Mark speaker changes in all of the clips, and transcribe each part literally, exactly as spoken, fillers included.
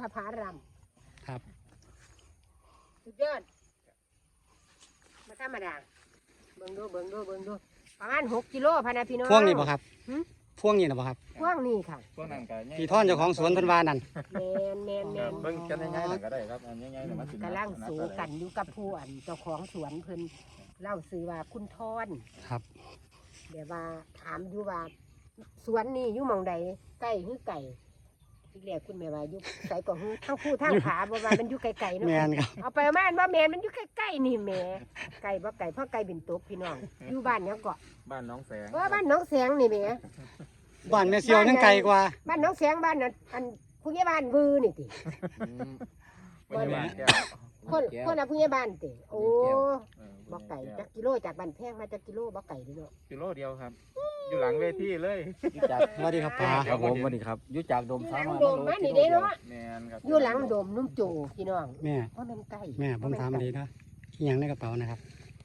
Speaker 1: ทผาราม
Speaker 2: ครับ
Speaker 1: สุดยอดมาธรรมดาเบิ่งดูเบิ่งดูเบิ่งดูประมาณหกกิโลพะนะพี่น้อง
Speaker 2: พวงนี่บ่ครับพวงนี่นะบ่ครับ
Speaker 1: พวงนี่ค่ะ
Speaker 3: พวกนั้นก็
Speaker 2: พี่ท่อนเจ้าของสวนเพิ่นว่านั่น
Speaker 1: แมนแมนแมน
Speaker 3: เบิ่งกันง่ายๆน่ะก็ได้ครับอันง่ายๆน่ะมันสิ
Speaker 1: กำลังสูกันอยู่กับผู้อันเจ้าของสวนเพิ่นเล่าซื้อว่าคุณทอน
Speaker 2: ครับ
Speaker 1: เดี๋ยวว่าถามอยู่ว่าสวนนี่อยู่หม่องใดใกล้หรือไก่อีกแล้วคุณแม่ว่าอยู่ไกลกว่าหือทั้งผู้ทั้งขาบ่ว่ามันอยู่ไกลๆเนาะ
Speaker 2: แม่นครับ
Speaker 1: เอาไปม่านว่าแม่นมันอยู่ใกล้ๆนี่แหม่ไก่บ่ไก่เพราะไก่เป็นตกพี่น้องอยู่บ้านเนี้ยเกาะ
Speaker 3: บ้านน้องแสง
Speaker 1: เออบ้านหน้องแสงนี่แหม่
Speaker 2: บ้านแม่เสียวยังไกลกว่า
Speaker 1: บ้านหน้องแสงบ้านนั้นอันผู้ใหญ่บ้านวือนี่ติ
Speaker 3: บ้านบ้านแก้ว
Speaker 1: คนคนน่ะผู้ใหญ่บ้านติโอ้
Speaker 3: เออ
Speaker 1: บ่ไก่จักกิโลจากบ้านแพงมาจักกิโลบ่ไก่เด้อเนาะ
Speaker 3: กิโลเดียวครับ อยู่หลังเวทีเลย
Speaker 4: จาก
Speaker 2: สวัสดีครับป้า
Speaker 4: ครับผมสวัสดีครับอยุจากโดม
Speaker 1: อยู่ห
Speaker 4: สา
Speaker 1: ลัง
Speaker 4: มารถ
Speaker 1: โดมมานี่เด้เนาะ
Speaker 3: แม่นครับ
Speaker 1: อยู่หลังโดมนุ่มโจพี่น้อง
Speaker 2: แม่
Speaker 1: เพราะมันไก่
Speaker 2: แม่ผมถามดีนะอีหยังในกระเป๋านะครับ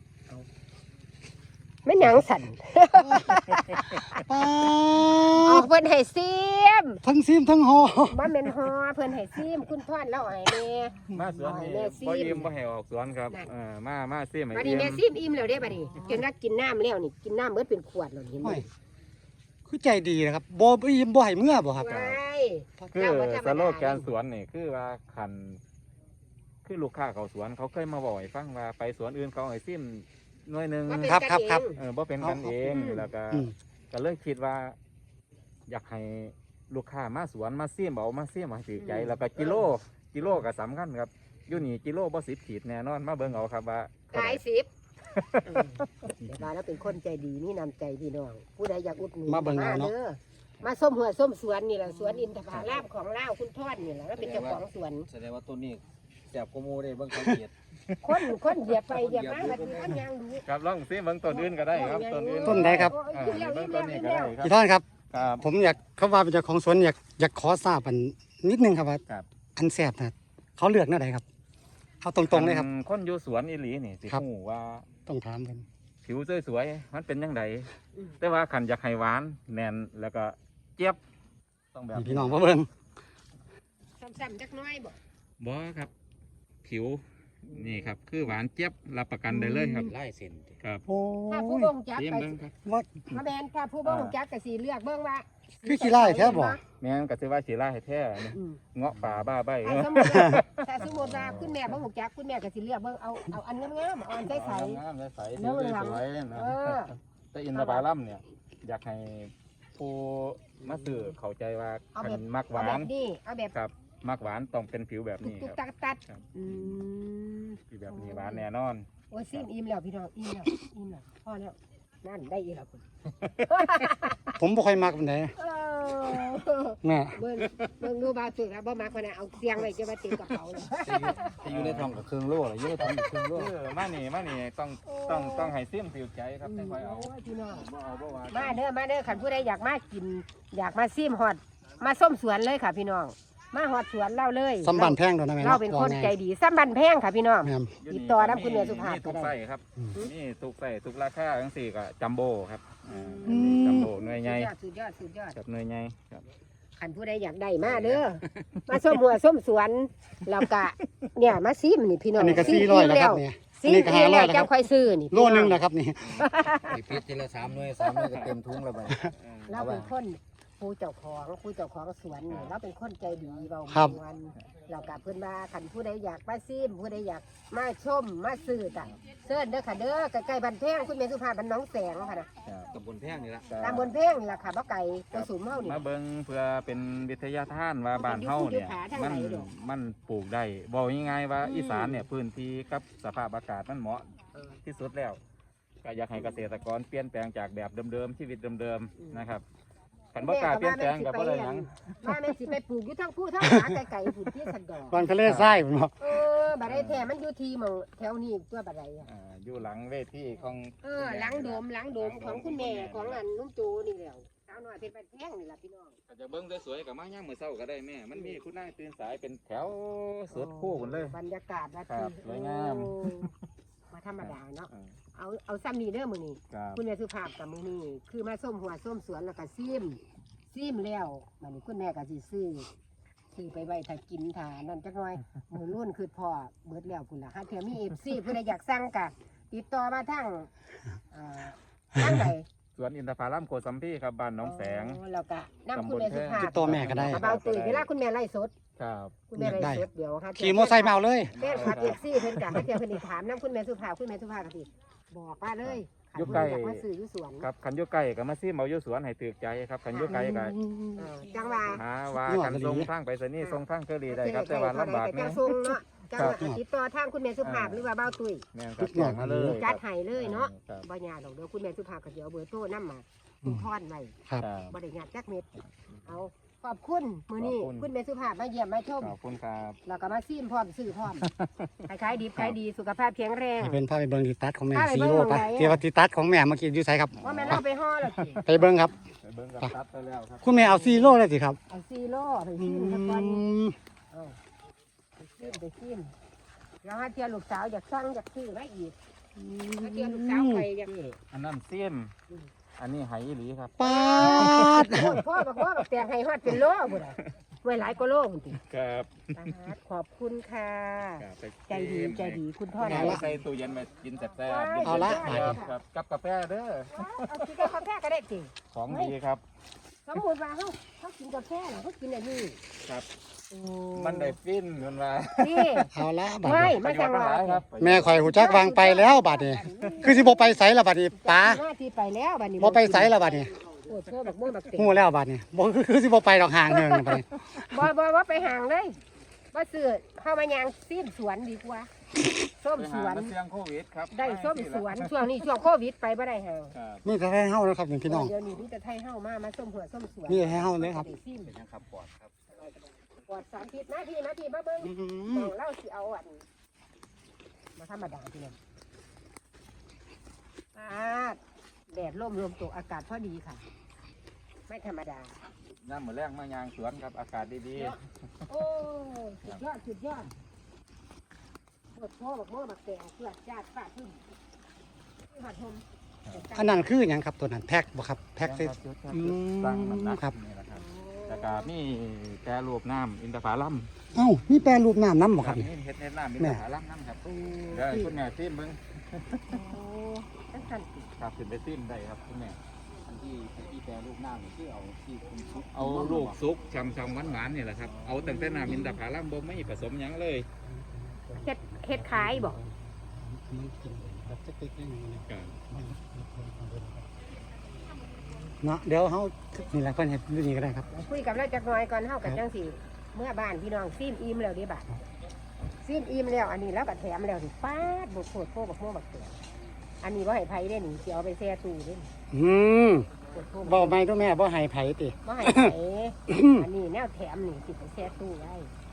Speaker 1: แม่นหยังสั่น
Speaker 2: ป้า
Speaker 1: เอาเพิ่นให้ซิม
Speaker 2: ทั้งซิมทั้งหอ
Speaker 1: บ่แม่นฮอเพิ่นให้ซิมคุณทอนแล้วให้แม่
Speaker 3: มาสวนนี่
Speaker 1: แม่ซิม
Speaker 3: บ่ยิ้มบ่ให้ออกสวนครับ
Speaker 1: นั่น
Speaker 3: เออมามาซิให้
Speaker 1: บัดนี้
Speaker 3: ยิ้
Speaker 1: แม่
Speaker 3: ม
Speaker 1: ซิมอิ่มแล้วเด้บัดนี้จนว่ากินน้ำแล้วนี่กินน้ำเบิดเป็นขวดแล้วเห็นไหม
Speaker 2: โอ้ยคือใจดีนะครับบ่อิ่มบ่ให้เมื่อบ่ครับ
Speaker 1: ว้าย
Speaker 3: คือ
Speaker 1: เจ้าบ่ธรรม
Speaker 3: ส
Speaker 1: ดา
Speaker 3: โลแกนสวนนี่คือว่าคันคือลูกค้าเขาสวนเขาเคยมาบอกให้ฟังว่าไปสวนอื่นเขาให้ซิมหน่วยหนึง
Speaker 1: ว่าเป็น
Speaker 2: ครับ
Speaker 1: กัน
Speaker 2: ครับครับ
Speaker 1: เอง
Speaker 3: เออบ่เป็นกันเอง
Speaker 1: อืม
Speaker 3: แล้วก็
Speaker 2: อืม
Speaker 3: ก็เลยคิดว่า อยากให้ลูกค้ามาสวนมาเสี่ยมเอามาเสี่ยมมาถือใจ แล้วก็กิโลกิโลก็สำคัญครับอยู่นี่กิโลบ่สิบขีดแน่นอนมาเบิ่งเอาครับว่า
Speaker 1: ขายสิบเออเดี๋ยวว่าแล้วเป็นคนใจดีมีน้ำใจพี่น้องผู้ใดอยากอุดหนุน
Speaker 2: มาเบิ่งเอาเนาะ
Speaker 1: ด้อมาส้มหัวส้มสวนนี่แหละสวนอินทผลามของเล่าวคุณทอดนี่แหละแล้วเป็นเจ้าของสวน
Speaker 4: แสดงว่าต้นนี้แสบกว่าหมูได้เบิ่งสังเกต
Speaker 1: คนคนเหยียบไปเหยียบมาแบบนี้อันยังดู
Speaker 3: ครับลองซิเบิ่งต้นอื่นก็ได้ครับต้นอื่น
Speaker 2: ต้นใดครับ
Speaker 1: โอ้ย
Speaker 3: อ่า
Speaker 1: กินแล้ว
Speaker 3: เบิ่
Speaker 1: อิ่
Speaker 3: ง
Speaker 1: ม
Speaker 3: ต้
Speaker 1: แล้
Speaker 3: น
Speaker 1: ว
Speaker 3: นี้
Speaker 1: อิ่มแล้ว
Speaker 3: ก็ได้ครับ
Speaker 2: พี่ท่อนครับ
Speaker 3: ครับ
Speaker 2: ผมอยากเขาว่าเป็นเจ้าของสวนอยากอยากขอทราบอันนิดนึงครับว่า
Speaker 3: ครับ
Speaker 2: อันแสบนะเขาเลือกแนวไหนครับเอาตรงๆเลยครับ
Speaker 3: คนอยู่สวนอีหลีนี่สิ
Speaker 2: ครับ
Speaker 3: ฮู้ว่า
Speaker 2: ต้องถามกัน
Speaker 3: ผิวสวยๆมันเป็นจังไดแต่ว่าคันอยากให้หวานแน่นแล้วก็เจี๊ยบต้องแบบ
Speaker 2: นี่พี่น้องมาเบิ่ง
Speaker 1: ซ้ำๆจักหน้อยบ่
Speaker 3: บ่ครับ ผิวนี่ครับคือหวานเจี๊ยบรับประกันได้เลยครับ
Speaker 4: ไล่เส้น
Speaker 3: ครับ
Speaker 2: โอ้
Speaker 1: ถ้าผู้
Speaker 2: ย
Speaker 1: บ่งจัก
Speaker 3: เตรียม
Speaker 1: ก็
Speaker 3: เบิ่งครับ
Speaker 2: ว่า
Speaker 1: มาแมนถ้าผู้บ่งจักก็สิเลือกเบิ่งว่า
Speaker 2: คือขี้ไล่แท้บ่
Speaker 3: แม่นก็สิว่าสิลาให้แท้นี่
Speaker 1: อืม
Speaker 3: เงาะป่าบ้าใบ
Speaker 1: ถ้าสมมุติว่าถ้าสมมุติว่าคุณแม่บ่งจักคุณแม่ก็สิเลือกเบิ่งเอาเอาอันงามๆเอาอันใส
Speaker 3: งามๆใสๆ
Speaker 1: เนื้
Speaker 3: ผิ
Speaker 1: อ
Speaker 3: ว
Speaker 1: เหลือง
Speaker 3: สวยๆ
Speaker 1: ๆ
Speaker 3: นะ
Speaker 1: เออ
Speaker 3: แต่อินทผลัมเนี่ย อยากให้ผู้มาซื้อเข้าใจว่า
Speaker 1: เอา
Speaker 3: คั
Speaker 1: แบบ
Speaker 3: นมักห
Speaker 1: เอา
Speaker 3: วา
Speaker 1: แบ
Speaker 3: น
Speaker 1: บนี้เอาแบบ
Speaker 3: ครับมักหวานต้องเป็นผิวแบบ
Speaker 1: ตุก
Speaker 3: นี้
Speaker 1: ตุก
Speaker 3: ครับ
Speaker 1: ตักตัด
Speaker 3: ครับ
Speaker 1: อืม
Speaker 3: ผิวแบบนี้หวานแน่นอน
Speaker 1: โอ้ยซิมอิ่มแล้วพี่น้องอิ่มแล้วอิ่มแล้วพอแล้วนั่นได้อีกแล้วคุณ
Speaker 2: ผมบ่ค่อยมักปานใด
Speaker 1: เออ
Speaker 2: แม่
Speaker 1: เบิ่งเบิ่งดูบาสุดแล้วบ่มาคนน่ะเอาเสียงไว้จะมาติดกระเป๋าเลย
Speaker 4: ที่อยู่ในท้องกับเครื่องโล่เลยอยู่ในท้องกับเครื่องโล่
Speaker 3: เออมานี่มานี่ต้องต้องต้องให้ซิมผิวใจครับไม่ค่อยเอา
Speaker 1: โอ้ยพี่น้อง
Speaker 3: บ่เอาบ่ว่า
Speaker 1: มาเด้อมาเด้อขันผู้ใดอยากมากิน อยากมาซิมฮอดมาส้มสวนเลยค่ะพี่น้องมาฮอดสวนเล่าเลย
Speaker 2: สำบันแพงโดนนะแม่
Speaker 1: เราเป็นคนใจดีซ้ำบันแพงค่ะพี่น้อง
Speaker 2: แม่น
Speaker 1: ติดต่อน้ำคุณเมียสุภาพก็
Speaker 3: ทุก
Speaker 1: ได้
Speaker 3: ไส้ครับ
Speaker 2: อืม
Speaker 3: นี่ทุกไส้ทุกราคาทั้งสี่ก็จัมโบ้ครับอ่า
Speaker 2: อืม
Speaker 3: จัมโบ้หน่วยใหญ่
Speaker 1: สุดยอดสุดยอดสุดยอด
Speaker 3: กับหน่วยใหญ่ครับ
Speaker 1: ขันผู้ใดอยากได้มาเด้อมาส้มหัวส้มสวนแล้วก็เนี่ยมาซิมนี่พี่น้อ
Speaker 2: อั
Speaker 1: ง
Speaker 2: นนี้ก็สี่ร้อยแล้วครับเนี่ย
Speaker 1: ซิ
Speaker 2: อัน
Speaker 1: ม
Speaker 2: นี้ก็
Speaker 1: เอี
Speaker 2: ห้าร้
Speaker 1: แล้
Speaker 2: อ
Speaker 1: วย
Speaker 2: แล้วค
Speaker 1: จั
Speaker 2: รั
Speaker 1: ง
Speaker 2: บ
Speaker 1: ค่อยซื้อนี่
Speaker 2: โลนึงนะครับนี่
Speaker 4: ไอ้พิษทีละสามหน่วยสามหน่วยก็เต็มทุ่งแล้วไป
Speaker 1: เราเป็นคนผู้เจ้าของผู้เจ้าของสวนนี่เราเป็นคนใจดีเบา
Speaker 2: ครับ
Speaker 1: วันเรากับเพื่อนว่าขันผู้ใดอยากมาซิมผู้ใดอยากมาชมมาซื้อต่างเชิญเด้อค่ะเด้อใกล้ๆบันแพงคุณเมสุภาพบันน้องแสงค่ะนะ
Speaker 4: ตำบลแพงนี่ละ
Speaker 1: ตามบนเพงนี่แหละค่ะบ่ไก่ตัวสูงเฮานี่
Speaker 3: มาเบิ่งเพื่อเป็นวิทยาทานว่าบ้านเฮาเนี่ย
Speaker 1: อยู่
Speaker 3: มัน
Speaker 1: ภูเขาทางไหนดอก
Speaker 3: มันปลูกได้บอกง่ายๆว่า
Speaker 1: อืม
Speaker 3: อีสานเนี่ยพื้นที่กับสภาพอากาศมันเหมาะที่สุดแล้ว ก็อยากให้เกษตรกรเปลี่ยนแปลงจากแบบเดิมๆชีวิตเดิมๆนะครับขันบ่กล้าเปลี่ยนแปลงกับบ่ได้หยัง
Speaker 1: มาแม่นสิไปปลูกอยู่ทั้งผู้ทั้งหาไก่ๆผู้ที่สันดอก
Speaker 2: บางทะเลทรายผมบอก
Speaker 1: เออบัดได้แท้มันอยู่ที่หมองแถวนี้ตัวบัดใดอะ
Speaker 3: อ่าอยู่หลังเวทีของ
Speaker 1: เออหลังโดมหลังโดมของคุณแม่ของอันนุ่มโจนี่แหล้วสาวน้อยเป็นบันแพงนี่ล่ะพี่น้อง
Speaker 3: ก็จะเบิ่งสวยๆกับมาย่างมื้อเช้าก็ได้แม่มันมีคุณนายตื่นสายเป็นแถวสุดคู่กันเลย
Speaker 1: บรรยากาศว่า
Speaker 3: ครั
Speaker 1: ที่
Speaker 3: บสวยงาม
Speaker 1: โอ้มาธรรมดาเนาะ
Speaker 3: อ่า
Speaker 1: เอาเอาซ้ำนี่เด้อมื้อนี้
Speaker 3: ครับ
Speaker 1: คุณแม่สุภาพกับมื้อนี้คือมาส้มหัวส้มสวนแล้วก็ซิมซิมแล้วบัดนี้คุณแม่ก็สิซื้อซื้อไปไว้ถ้ากินถ้านั่นจักหน่อยมือรุ่นคือพอเบิดแล้วพุ่นล่ะหาเทื่อมี เอฟ ซี ผู้ใดอยากสั่งก็ติดต่อมาทางเอ่อทางใด
Speaker 3: สวนอินทผลัมโกสัมพีครับบ้านหน้องแสง
Speaker 1: อ๋อแล้วก็นำคุณแม่สุภาพ
Speaker 2: ติดต่อแม่ก็ได้
Speaker 1: เบาตุยเวลาคุณแม่ไล่สด
Speaker 3: ครับ
Speaker 1: คุณแม่ไล่สดเดี๋ยวหาเทื่
Speaker 2: ขี่มอไซค์มาเอาเลย
Speaker 1: แฟนคลับ เอฟ ซี เพิ่นก็หาเทื่อเพิ่นสิถามนำคุณแม่สุภาพคุณแม่สุภาพก็สิบอกว่าเลย
Speaker 3: อยู่ใกล้
Speaker 1: อยากมาซื้ออยู่สวน
Speaker 3: ครับคันอยุไก่ก็มาซิมเอาอยู่สวนให้ตึกใจครับคันอยุไก่ก็
Speaker 1: เออจังว่า
Speaker 3: หาว่ากันส่งทางไปสนีย์ส่งทางเคอรี่ได้ครับแต่ว่าลำบาก
Speaker 1: จั
Speaker 3: แม่
Speaker 1: งทรงเนาะจังว่าติดต่อทางคุณแม่สุภาพหรือว่าเบาตุย
Speaker 3: แม่นครับแจ้งมาเลย
Speaker 1: จัดให้เลยเนาะ
Speaker 3: ครับ
Speaker 1: บ่ยากดอกเดี๋ยวคุณแม่สุภาพก็สิเอาเบอร์โทรนำมาคุณพรไว้
Speaker 2: ครับ
Speaker 3: ครับ
Speaker 1: บ่ได้ยากจักเม็ดเอาขอบคุณมื้อนี้
Speaker 3: ขอบคุณ
Speaker 1: คุณแม่สุภาพมาเยี่ยมมาชม
Speaker 3: ขอบคุณครับ
Speaker 1: แล้วก็มาซิมพร้อมซื้อพร้อมขายดีขายดีสุขภาพแข็งแรง
Speaker 2: ให้เป็นภาพไปเบิ่งติตัดของแม่
Speaker 1: พาไป
Speaker 2: ซี
Speaker 1: เบิ่ง
Speaker 2: โร่
Speaker 1: หม้
Speaker 2: ปะ
Speaker 1: องไหน
Speaker 2: เกี่ยวกับติตัดของแม่เมื่อกี้อยู่ไสครับ
Speaker 1: ว่าแม่เราไปห่อแล้วสิ
Speaker 2: ไปเบิ่งครับ
Speaker 3: ไปเบิ่งกับตัดไปแล้วครับ
Speaker 2: คุณแม่เอาซีโร่เลยสิครับ
Speaker 1: เอาซีโร่ไป
Speaker 2: อื
Speaker 1: ซิมสักวัน
Speaker 2: ม
Speaker 1: เอาไปซิมไปซิมแล้วถ้าเทียลูกสาวอยากสั่งอยากซื้อมาอีกถ้าเทียลูกสาวไปอยาก
Speaker 3: อันนั้นเสี้ยมอันนี้ไหอีหลีครับ
Speaker 2: ปาด
Speaker 1: โอ้ยพ่อบอกว่าบอกแต่งให้ฮอดเป็นโลพุ่นน่ะไว้หลายกว่าโลพุ่นติ
Speaker 3: ครับ
Speaker 1: ปาดขอบคุณค่ะ
Speaker 3: ครับไป
Speaker 1: ใจดีใจดีคุณพ่อ
Speaker 3: แม่
Speaker 1: นะ
Speaker 3: ใส่ตู้เย็นมากินแซ่บๆ
Speaker 2: เอาละ
Speaker 3: ครับกับกาแฟเด้อ
Speaker 1: เอากินกาแฟก็ได้จริง
Speaker 3: ของดีครับ
Speaker 1: สมมติว่าเขาเขากินกาแฟเหรอเขากินอันนี้
Speaker 3: ครับ
Speaker 1: โอ้
Speaker 3: มันได้ฟินมันว่า
Speaker 1: นี่
Speaker 2: เอาละบัด
Speaker 1: ไม่
Speaker 2: นี้
Speaker 1: ไม่จังหวะ
Speaker 3: ครับ
Speaker 2: แม่ข่อยหูจักวางไปแล้วบัดนี้ คือสิบ่ไปไสละบัดนี้ป้า
Speaker 1: หน้าที่ไปแล้วบัดนี้
Speaker 2: บ่ไปไสละบัดนี้
Speaker 1: โอ้โหบักม่วงบักเต๋
Speaker 2: ฮู้แล้วบัดนี้บ่คือสิบ่ไปดอกห่างเฮิงบัดนี้
Speaker 1: บ่บ่ว่าไปห่างเลยว่าซื้อเข้ามายางซีมสวนดีกว่าส้ม
Speaker 3: ไป
Speaker 1: ส
Speaker 3: หา
Speaker 1: วน
Speaker 3: มาเสียงโควิดครับ
Speaker 1: ได้ส้มสวนช่วงนี้ช่วงโควิดไปบ่ได้ห่าง
Speaker 3: ครับ
Speaker 2: นี่จะให้เฮานะครับพี่น้อง
Speaker 1: เดี๋ยวนี้นี่จะไทยเฮ้ามามาส้มหัวส้มสวน
Speaker 2: นี่ให้เฮาเลยครับ
Speaker 1: ได้ซิม
Speaker 3: เป็นยังครับปอดครับ
Speaker 1: ปวดสามทิศนาทีนาทีมาเบิ่ง
Speaker 2: อื
Speaker 1: ม
Speaker 2: ม
Speaker 1: องเล่าสิเอาอันมาธรรมดาทีนึงอาดแดดร่มรวมตกอากาศพอดีค่ะ ไม่ธรรมดา
Speaker 3: น้ำเหมือนแรงมายางสวนครับอากาศดี
Speaker 1: โอ้สุดยอดสุดยอดปวดพ่อบักโม่บักแตงเพื่อจาดฟาดขึ้นที่หัดทม
Speaker 2: อันนั้นคือหยังครับตัวนั้นแพ็คบ่ครับ
Speaker 3: ๆ
Speaker 2: แพ็ค
Speaker 3: ค
Speaker 2: ใส่
Speaker 3: รับจุดครับ
Speaker 2: อืม
Speaker 3: จุดตั้งน้ำหนัก
Speaker 2: ครับ
Speaker 3: นี่แหละครับแล้วก็มีแปรรูปน้ำอินทผลัม
Speaker 2: เอ้ามีแปรรูปน้ำน้ำบ่ครับ
Speaker 3: นี่
Speaker 2: นี่
Speaker 3: เฮ็ดเฮ็ดน้ำอิน
Speaker 2: แม่
Speaker 3: ทผลัมน้ำครับ
Speaker 1: โอ้
Speaker 3: เดี๋ยวให้คุณแม่ซิมเบิ่ง
Speaker 1: โอ้ตั้งสันติ
Speaker 3: ครับขึ้นไปซิมได้ครับคุณแม่
Speaker 4: อันที่ที่แปรรูปหน้านี่คือเอาที่คุณซุป
Speaker 3: เอาลูกซุกชำชำหวานหวานๆนี่แหละครับเอาตั้งแต่น้ำอินทผลัมบ่ไม่ผสมหยังเลย
Speaker 1: เฮ็ดเฮ็ดขายบอก
Speaker 2: เนาะเดี๋ยวเฮานี่แหละเพิ่นเฮ็ดอยู่นี่ก็ได้ครับ
Speaker 1: คุยกับเราจักหน่อยก่อนเฮากับจังสีเมื่อบ้านพี่น้องซีมอิ่มแล้วเดิบัดซีมอิ่มแล้วอันนี้แล้วก็แถมแล้วสิป้าดบกโคตรโคบักโม่บักเตงอันนี้ว่าให้ไผได้หนิสิเอาไปแช่ตู้เด้นี่
Speaker 2: อืม
Speaker 1: โคตรโค
Speaker 2: บ่
Speaker 1: บัก
Speaker 2: ไม่ตัวแม่บ่ให้ไผติ
Speaker 1: ว่าให้ไผอันนี้แนวแถมนี่สิไปแช่ตู้ไว้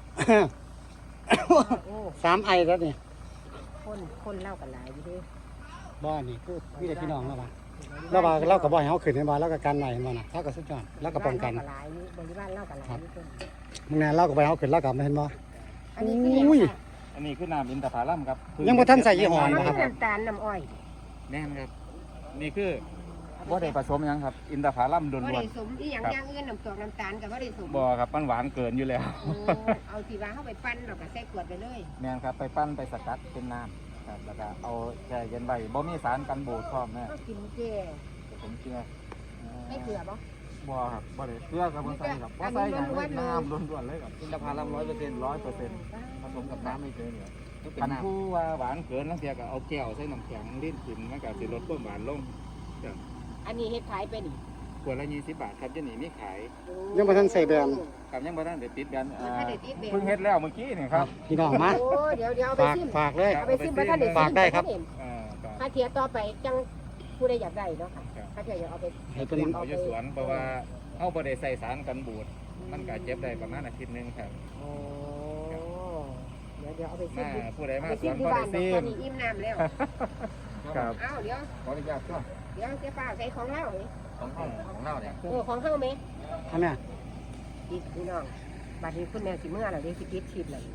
Speaker 1: โอ้
Speaker 2: สามไอแล้วนี่
Speaker 1: คนคนเล่ากันหลายอยู่เด้
Speaker 2: บ่นี่คือมีแต่พี่น้องแล้วว่าแล้วว่าเราก็บ่ให้เฮาขึ้นให้บ่เราก็กันไว้บ่น่ะเราก็สุดยอดเราก็ป้องกัน
Speaker 1: บ้าเล่าหลายอยู่บริวารเล่ากันหลายอยู่เพิ่น
Speaker 2: มึงแน่เราก็บ่ให้เฮาขึ้นเราก็บ่เห็นบ่
Speaker 1: อันนี้คือหยัง
Speaker 2: อุ้ย
Speaker 1: ค่ะ
Speaker 3: อันนี้คือน้ำอินทผลัมครับ
Speaker 2: ยังบ่ทันใส่ยี่ห้อ
Speaker 1: อ๋อ
Speaker 2: นะ
Speaker 1: มัน
Speaker 2: ครับ
Speaker 1: น้ำตาลน้ำอ้อย
Speaker 3: แน่นครับ นี่คือบ่ได้ผสมหยังครับ อินทผลัมล้
Speaker 1: บ่
Speaker 3: วน
Speaker 1: ได้สมอีหยังอย่างอื่นน้ำตกน้ำตาลก็บ่ได้สม
Speaker 3: ๆบ่ครับมันหวานเกินอยู่แล้ว
Speaker 1: โอ้เอาที่ว่าเฮาไปปั้นแล้วก็ใส่ขวดไปเลย
Speaker 3: แม่นครับไปปั้นไปสกัดเป็นน้ำครับแล้วก็เอาแช่เย็นไว้บ่มีสารกันบูดพร้อมแม่
Speaker 1: เขากินเจ
Speaker 3: ผมเชื่อ
Speaker 1: ไม่เกลือบ่
Speaker 3: บ่ครับบ่ได้เกลือกับบ่ใส่ครับบ่ใส่หยังเลยน้ำล้วนๆเลยครับอินทผลัมร้อยเปอร์เซ็นต์ร้อยเปอร์เซ็นต์ผสมกับน้ำไม่เกินเนี่ย
Speaker 4: ก็เป็น
Speaker 3: คัน
Speaker 4: น้ำ
Speaker 3: ผู้ว่าหวานเกินลังเทียก็เอาแก้วใส่น้ำแข็งลิ้นกินมันก็สิลดความหวานลง
Speaker 1: อันนี้เฮ็ดขายเป็น
Speaker 3: ขวดละยี่สิบบาทครับเดี๋ยวนี้มีขาย
Speaker 2: ยังบ่ทันใส่แบรนด์
Speaker 3: ครับยังบ่ทันได้ติดกันอ่า
Speaker 1: บ่ทันได้ติดแบรนด์
Speaker 3: เพิ่งเฮ็ดแล้วเมื่อกี้นี่ครับ
Speaker 2: พี่น้องมา
Speaker 1: โอ้เดี๋ยวเดี๋ยวเอาไป
Speaker 2: ฝาก
Speaker 1: ซิม
Speaker 2: ฝากเลย
Speaker 1: เอาไปซิมบ่ทันได้ซิม
Speaker 2: ฝากได้ครับ
Speaker 3: อ่าครับ
Speaker 1: ถ้าเทียต่อไปจังผู้ใดอยากได้เนาะค่ะถ้าเทียอยากเอาไป
Speaker 2: ให้เพิ่น
Speaker 3: เอาอยู่สวนเพราะว่าเฮาบ่ได้ใส่สารกันบูดมันก็เจ็บได้ประมาณอาทิตย์หนึงครับ
Speaker 1: โอ้เดี๋ยวเดี๋ยวเอาไปซิ
Speaker 3: มาม
Speaker 1: ดู
Speaker 3: ผู้ใด
Speaker 1: เอา
Speaker 3: มา
Speaker 1: ไป
Speaker 3: ส
Speaker 1: ซิ
Speaker 3: ว
Speaker 1: ม
Speaker 3: น
Speaker 1: ที่
Speaker 3: ก็
Speaker 1: บ้า
Speaker 3: ได้
Speaker 1: นดอก
Speaker 3: ซิ
Speaker 1: ตอน
Speaker 3: ม
Speaker 1: นี้อิ่มน้ำแล้ว
Speaker 3: ครับ
Speaker 1: อ้าวเดี๋ยว
Speaker 4: ขออนุญาตก็
Speaker 1: เดี๋ยวเจ๊ป้าใส่ของเราเอ้ย
Speaker 4: ของของของเราเนี่ย
Speaker 1: โอ้ของเฮาไหม
Speaker 2: เอาแม่
Speaker 1: อีกพี่น้องบัดนี้คุณแม่สิเมื่อแล้วเด้สิปิดชีพแล้ว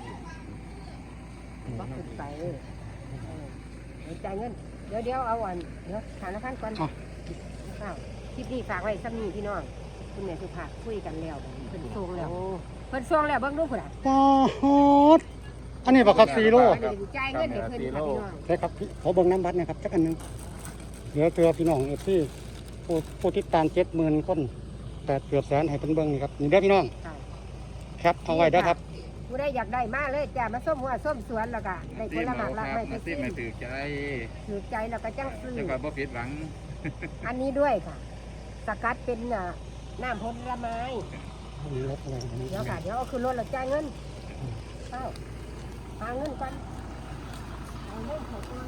Speaker 1: บ่ขึ้นไปเออเออเดี๋ยวจ่ายเงินเดี๋ยวเดี๋ยวเอาอันเดี๋ยวถามละพันก่อน
Speaker 2: เอา
Speaker 1: ข้าวคลิปนี้ฝากไว้ซ้ำนี้พี่น้องคุณแม่สุภาพคุยกันแล้วเพิ่นส่งแล้วเพิ่นส่งแล้วเบิ่งดูพุ่นน่ะ
Speaker 2: ปาดอันนี้บ่ครับซีโร่
Speaker 1: อันนี้จ่ายเงินให้เพิ่นค่ะพี่น้อง
Speaker 2: ใช่ครับพี่ขอเบิ่งน้ำบัตรหนะครับจักอันหนึงเหลือเตือพี่น้องเอฟซีผู้ผู้ติดตามเจ็ดหมื่นคนแต่เกือบแสนให้เพิ่นเบิ่งนี่ครับนี่เด้อพี่น้อง
Speaker 1: ค่ะ
Speaker 2: ครับเอาไว้เด้อครับ
Speaker 1: ผู้ใดอยากได้มาเลยจ้ามาส้มหัวส้มสวนแล้วก็ได้ผ
Speaker 3: ซี
Speaker 1: ล
Speaker 3: ม
Speaker 1: ไม้
Speaker 3: เอา
Speaker 1: หลาก
Speaker 3: ค
Speaker 1: ห
Speaker 3: รั
Speaker 1: ลา
Speaker 3: บ
Speaker 1: ยไป
Speaker 3: มาซี
Speaker 1: ซื้
Speaker 3: ม
Speaker 1: อ
Speaker 3: ให้ถือใจ
Speaker 1: ถือใจแล้วก็จังซื้อ
Speaker 3: แล้วก็บ่ผิดหวัง
Speaker 1: อันนี้ด้วยค่ะ สกัดเป็นอ่ะน้ำผลไม้
Speaker 2: นี่รถอะไรของมัน
Speaker 1: เดี๋ยวค่ะเดี๋ยวเอาขึ้นรถแล้วจ่ายเงินเข้าหาเงินกันเอาเงินเขาตัว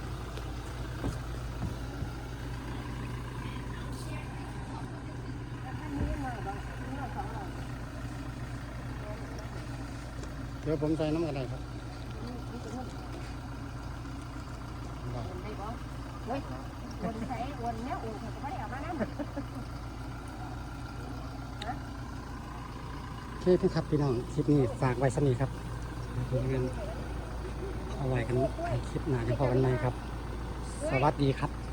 Speaker 2: เดี๋ยวผมใส่น้ำกันได้ครับ
Speaker 1: เฮ้ยวนใส่วนเนี้ยวนเขาก็ไม่ได้เอามานั่น
Speaker 2: โอเคพี่ครับพี่น้องคลิปนี้ฝากไว้สนีครับเพื่อนเอาไว้กันคลิปหน้าจะพอกันไหมครับ สวัสดีครับ